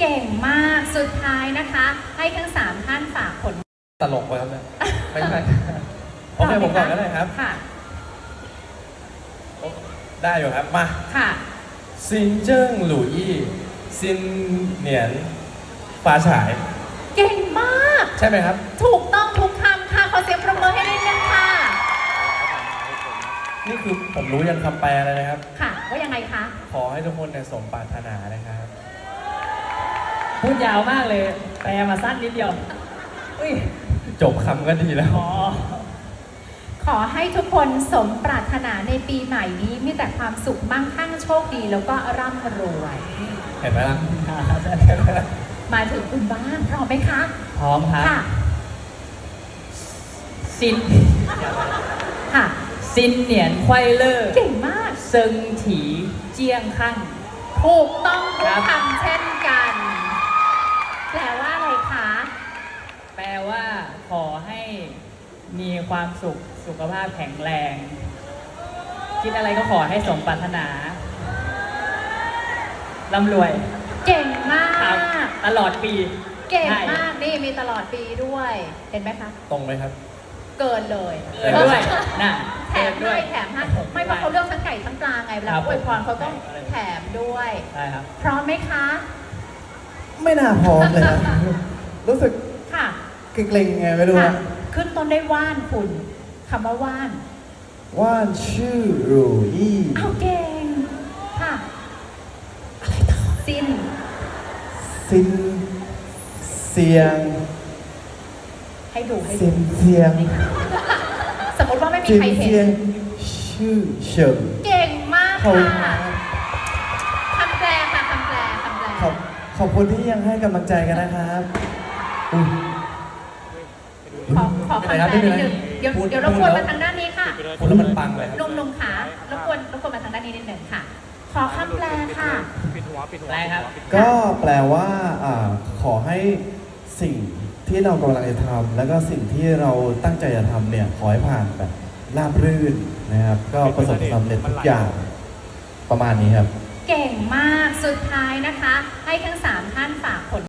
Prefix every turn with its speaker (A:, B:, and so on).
A: เก่งมากสุดท้ายนะคะ ให้ทั้ง3ท่านฝากผล
B: ตลกไปครับเนี่ยไม่ใช่โอเคผมก่อนก็ได้ครับ
A: ค่ะ
B: ได้อยู่ครับมา
A: ค่ะ
B: ซินเจิ้งหลู่ยี่ซินเหนียนฟ้าฉาย
A: เก่งมาก
B: ใช่ไหมครับ
A: ถูกต้องทุกคำค่ะขอเสียงปรบมือให้นิดนึงค่ะ
B: นี่คือผมรู้ยังคำแปลเลยนะครับ
A: ค่ะว่ายังไงคะ
B: ขอให้ทุกคนเนี่ยสมปรารถนานะครับ
C: พูดยาวมากเลยแปลมาสั้นนิดเดียว
B: จบคำก็ดีแล้ว
A: ขอให้ทุกคนสมปรารถนาในปีใหม่นี้มีแต่ความสุขมั่งคั่งโชคดีแล้วก็ร่ำรวย
B: เห็นไหมล่ะ
A: มาถึงคุณบ้างพร้อมไหมคะ
C: พร้อมครับ
A: ค่ะ
C: ซิน
A: ค่ะ
C: ซินเหนียนควายเลอร์
A: เก่งมาก
C: เซิงถีเจียงคั่ง
A: ถูกต้องทุกคำเช่นกันแปลว่าอะไรคะ
C: แปลว่าขอให้มีความสุขสุขภาพแข็งแรงคิดอะไรก็ขอให้สมปรารถนาร่ำรวย
A: เก่งมาก
C: ตลอดปี
A: เก่งมากนี่มีตลอดปีด้วยเห็นไหมคะ
B: ตรงไหมครับ
A: เกินเลย
C: เกินด้วยน่ะ
A: แถมด้วยแถมให้ไม่เพราะเขาเลือกทั้งไก่ทั้งปลาไงเวลาอวยพรเขาต้องแถมด้วย
C: ใช่ครับ
A: พร้อมไหมคะ
D: ไม่น่าพร้อมเลยครับรู้สึก
A: ค่ะ
D: เกรงๆไงไม่รู้นะ
A: ขึ้นต้นได้ว่านคุณคำว่าว่าน
D: ว่านชื่อรูยี่
A: เอาเก่งค่ะอะไรต่อซิน
D: เสียง
A: ให้ดู
D: เสียง
A: สมมติว่าไม่มีใครเห็น
D: ชื่อเฉิง
A: เก่งมากค่ะคำแปลค่ะคำแปล
D: ขอบคุณที่ยังให้กำลังใจกันนะครับ
A: ขอคำแปลนิดนึงเดี๋ยวรบกวนมาทางด้านนี้ค่ะ
B: พูดแล้วมันปังเลย
A: ลุงขารบกวนมาทางด้านนี้นิดนึงค่ะขอคำแปลค่ะ
C: แปลครับ
D: ก็แปลว่าขอให้สิ่งที่เรากำลังจะทำแล้วก็สิ่งที่เราตั้งใจจะทำเนี่ยขอให้ผ่านแบบราบรื่นนะครับก็ประสบความสำเร็จทุกอย่างประมาณนี้ครับ
A: เก่งมากสุดท้ายนะคะให้ทั้ง3ท่านฝากผล